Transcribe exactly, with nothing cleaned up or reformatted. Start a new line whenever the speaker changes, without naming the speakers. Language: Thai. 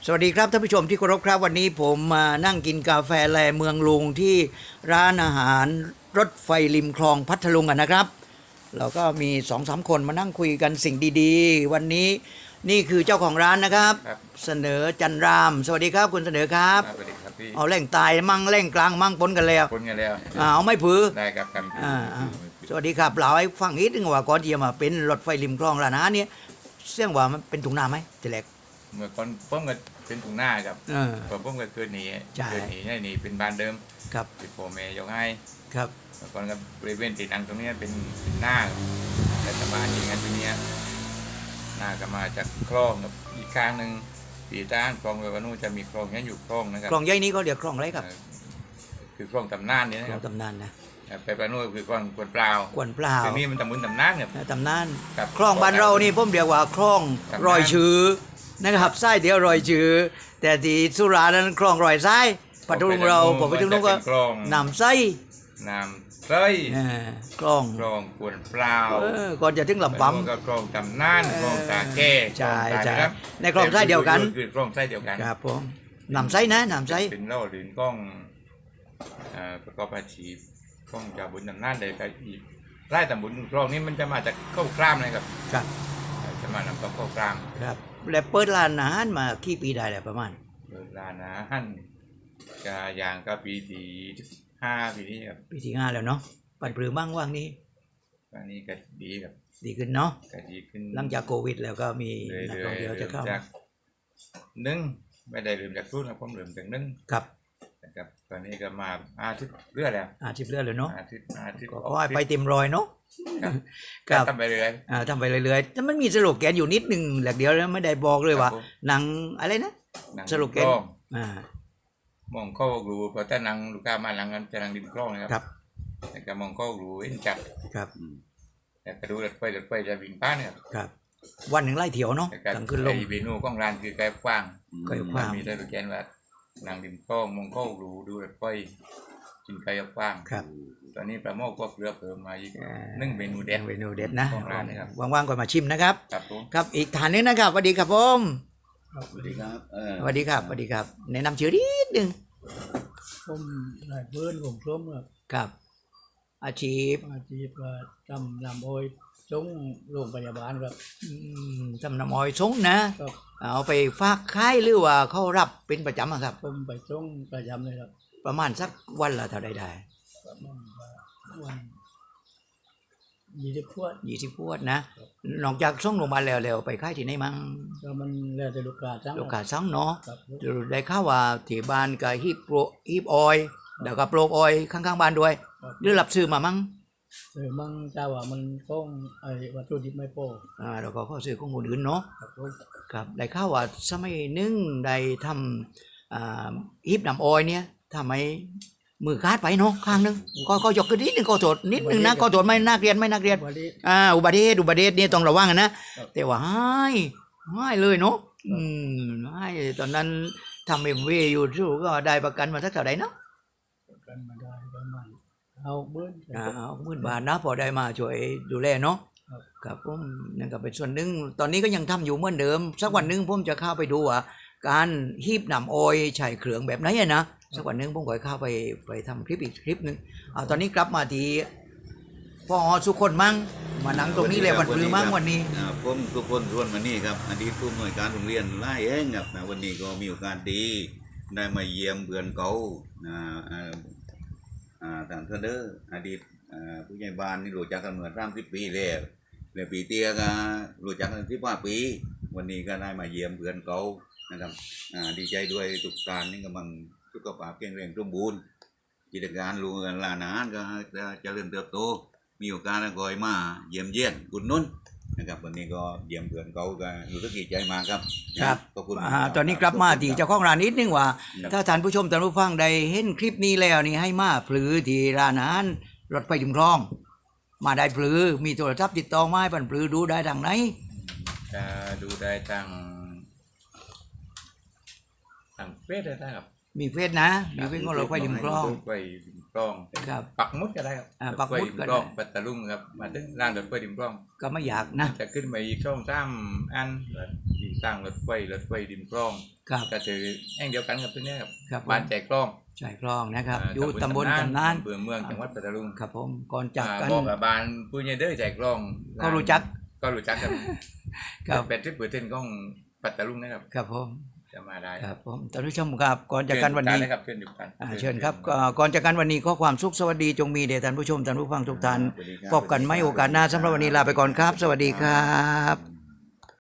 สวัสดีครับท่านผู้ชมที่เคารพครับวันนี้ผมมานั่งกินกาแฟแลเมืองลุงที่ร้านอาหารรถไฟริมคลองพัทลุงกันนะครับเราก็มีสองสามคนมานั่งคุยกันสิ่งดีๆวันนี้นี่คือเจ้าของร้านนะครับ
ครับ
เสนอจันรามสวัสดีครับคุณเสนอครับ
สวัสดีครับพี่
เอาแหล่งตายมั่งแหล่งกลางมั่งปนกันแล้ว
คนกันแล้ว
อ่าเอาไม่ผือ
ได้ครับกัน
อ่าอ่าสวัสดีครับเราให้ฟังนิดนึงว่าก่อนที่จะมาเป็นรถไฟริมคลองร้านอาหารเนี่ยเสี่ยงว่ามันเป็นถุงน้ำไหมทีแรก
เมื่อก่อนป้อมก็เป็นถุงหน้าครับ
เออ
พอป้อมก็เกิดหนี
ใช่
เกิดหนีให้หนีเป็นบ้านเดิม
ครับ
ที่พ่อแม่ยกให้
ครับ
เมื่อก่อนก็บริเวณติดนังตรงเนี้ยเป็นเป็นหน้าแต่สมาชิกกันตรงเนี้ยหน้าก็มาจากคลองกับอีกข้างหนึ่งปีต้านคลองเววานูจะมีคลองเนี้ยอยู่คลองนะครับ
คลองใหญ่นี้เขาเรียกคลองอะไรครับ
เอ่อคือคลองตำนานเนี่ยนะ
คล
ค
อ
รั
ง
บ
ตำนานนะ
ไปปลาโน่คือคลองกวนเปล่าก
วนเปล่า
ทีนี้มันตำบุญตำนานครับ
ตำนาน
ครับ
คลองบ้านเรานี่ผมเรียกว่าคลอง
ตำนาน
รอยชื้อนะครับไส้เดียวรอยชื้อแต่ที่สุรานั้นคลองรอยไส้ปัตตุลุงเราผมไปถึงนู้นก็
จะเป็นคลอง
น้ำไส้
น้ำไส้
เออคลอง
คลองกวนเปล่า
เออก่อนจะถึงลำ
ปั๊
ปั๊ม
ก็คลองตำนานคลองตาแก่
ใช่
คลองตา
ใช่
ครับ
ในคลองไส้เดียวกัน
คือคลองไส้เดียวกัน
ครับผมน้ำไส้นะน้ำไส้
เป็นเล่าหรือกล้องเอ่อประกอบอาชีพกล้องจากบุญตำนานเลยครับอีกไร่ตำบุญคลองนี้มันจะมาจากข้าวกล้ามนะครับ
ครับ
เอ่อจะมานำกับข้าวกล้าม
ครับแล้วเปิดร้านอาหารมากี่ปีได้แล้วประมาณ
เปิดร้านอาหารกะยางก็ปีที่ห้าปีนี้ครับ
ปีที่ห้าแล้วเนาะปันปรือบ้างว่างนี้
ตอนนี้ก็ดีครับ
ดีขึ้นเนาะ
ก็ดีขึ้น
หลังจากโควิดแล้วก็มี
เรื่อย
นัก
ๆ
ท่องเที่ยวจะเข้า
ริ่มจากหนึ่งไม่ได้เริ่มจากศูนย์นะผมเริ่มจากหนึ่ง
ครับ
นะครับตอนนี้ก็มาอาทิตย์เรื่อยแล้ว
อาชีพเลือดเลยเนาะ
อาทิตย์อาทิตย์
ก็ขอให้ไปเต็มรอยเนาะ
ครับ
ครับ
ทำไปเรื่อย
อ่าทำไปเรื่อยๆแต่มันมีสโลแกนอยู่นิดหนึ่งแหลกเดียวแล้วไม่ได้บอกเลยว่า
ครับผม
หนังอะไรนะ
หนัง
สโลแกน
ดิมคลอง
อ่าม
องเข้ารูเพราะถ้าหนังลูกค้ามาหลังกันจะหนังดิมคลองนะครับ
ครับ
แต่ก็มองเข้ารูเห็นจัด
ครับ
แต่ก็ดูรถไฟรถไฟจะวิ่งป้านเนี่ย
ครับ วันหนึ่งไล่เถียวเนาะ
แต่ก็
กลางคืนลง
ไอ้เมนูของร้านคือไก่กว้าง
ไก่กว้าง
มีแต่ลูกแกนว่าหนังดิมคลองมองเข้ารูดูรถไฟกินไก่กว้าง
ครับ
ตอนนี้ปลาหม้อก็เกลือเพิ่มมาอีก
อ่า
หนึ่งเมนูเด็ด
เมนูเด็ดนะ
ของร้านนะครับ
ว่างๆก็มาชิมนะครับ
ครับผม
ครับอีกฐานหนึงนะครับสวัสดีครับผม
สวัสดีครับเออ
สวัสดีครับสวัสดีครับแนะนำชื่อนิดหนึง
ผมนายเพื่อนผมส้มครับ
ครับ อาชีพ
อาชีพก็ทำลำโอยจงโรงพยาบาลครับ
อืมทำน้ำอ้อยสงนะครับ เอาไปฝากขายหรือว่าเขารับเป็นประจำอะครับ
ผมไปจงประจำเลยครับ
ประมาณสักวันละเท่าใดได้
ประมาณว่าวันยี่สิบขวด
ยี่สิบขวดนะนอกจากส่งโรงพยาบาลแล้วแล้วไปขายที่ไหนมั่ง
ก็มันแล้วแต่ลูกค้าจัง
ลูกค้าสั่งเนาะ
ครับ
ได้ข่าวว่าที่บ้านก็ฮีบโปรฮีบออยล์แล้วก็โปรกออยล์ข้างๆบ้านด้วย
ครับ
หรือรับซื้อมามั่ง
เออมั่งเจ้าว่ามันต้องไอ้วัตถุดิบไม่พอ
อ่าแล้วก็ข้อซื้อของคนอื่นเนาะ
ครับผม
ครับได้ข่าวว่าสมัยหนึงได้ทำอ่าฮีบน้ำออยล์เนี่ยทำไมมือคาดไปเนาะข้างหนึงก็ก็ยกขึ้นนิดหนึงก็โทษนิดหนึงนะก็โทษไม่นักเรียนไม่นักเรียน
วันนี้
อ่าอุบัติเหตุอุบัติเหตุนี่ต้องระวังกันนะครับ แต่ว่าให้ให้เลยเนาะอืมให้ตอนนั้นทำเอ็มวีอยู่ที่ก็ได้ประกันมาสักเท่าไหร่เนาะ
กันมาได้ประมาณเอาเบิ้ล
อ่าหมื่นบาทนะพอได้มาช่วยดูแลเนาะ
ครับ
ครับผมนั่นก็เป็นส่วนหนึ่งตอนนี้ก็ยังทำอยู่เหมือนเดิม สักวันหนึ่งผมจะเข้าไปดูว่าการฮีบน้ำออยล์ใช้เครื่องแบบไหนอะนะสักวันหนึ่งผมก็เข้าไปไปทำคลิปอีกคลิปหนึ่งเอาตอนนี้กลับมาที่พ่อสุคนมั่งมานั่งตรงนี้เลยวันปรือมั่งวันนี้
อ่าผมทุกคนร่วนมานี่ครับอดีตผู้อำนวยการโรงเรียนไล่เองครับนะวันนี้ก็มีโอกาสดีได้มาเยี่ยมเพื่อนเก่านะอ่าอ่าทางเทนเดอร์อดีตอ่าผู้ใหญ่บ้านนี่รู้จักกันมาสามสิบปีแล้วแล้วปีเตี้ยก็รู้จักกันสิบห้าปี วันนี้ก็ได้มาเยี่ยมเพื่อนเก่านะครับอ่าดีใจด้วยทุกการนี่กำลังสุขภาพแข็งแรงสมบูรณ์กิจการลูกหลานอาหารก็จะเจริญเติบโต มีโอกาสก็อยมาเยี่ยมเยียนอุดหนุนนะครับวันนี้ก็เยี่ยมเพื่อนเขาก็รู้สึกดีใจมากครับ
ครับ
ขอบคุณ
อ่าตอนนี้กลับมาที่เจ้าของร้านนิดนึงว่า ถ้าท่านผู้ชมท่านผู้ฟังได้เห็นคลิปนี้แล้วนี่ให้มาพลือที่ร้านอาหารรถไฟจุมคลอง มาได้พลือมีโทรศัพท์ติดต่อมาให้ปันพลือดูได้ทางไหน
จะดูได้ทางทางเฟซได้ครับ
มีเฟซนะมีเฟซของรถไฟริมคลอง
รถไฟริมคลอง
ครับ
ปักหมุดก็ได้ครับ
อ่าร ปักหมุด
ถไฟริ
ก็ได้
คลองปัตตาลุงครับมาถึงร้านรถไฟริมคลอง
ก็ไม่อยากนะ
จะขึ้นไปอีกช่องสามอันติดตั้งรถไฟรถไฟริมคลอง
ครับ
ก็ถือแห่งเดียวกันกับตัวเนี้ยครับ
ครับ
บ้านแจกคลอง
ชายคลองนะครับ
า
อยู่ตำบลตำนาน
อำเภอเมืองจังหวัดปัตตาลุง
ครับผมก่อนจากกัน
อ่าบอกกับบานผู้ใหญ่เด้อแจกคลอง
ก็รู้จัก
ก็รู้จักครับ
ครับ
แปดสิบเปอร์เซ็นต์ของปัตตาลุงนะครับ
ครับผม
จะมาได้
ครับผมท่านผู้ชมครับก่อนจากกันวันนี้
เชิญครับเชิญอยู่กัน
อ่าเชิญครับก็ก่อนจากกันวันนี้ข้อความสุขสวัสดีจงมีแด่ท่านผู้ชมท่านผู้ฟังทุกท่าน
สวัสดีครับ
พบกันไม่โอกาสหน้าสำหรับวันนี้ลาไปก่อนครับ สวัสดีครับ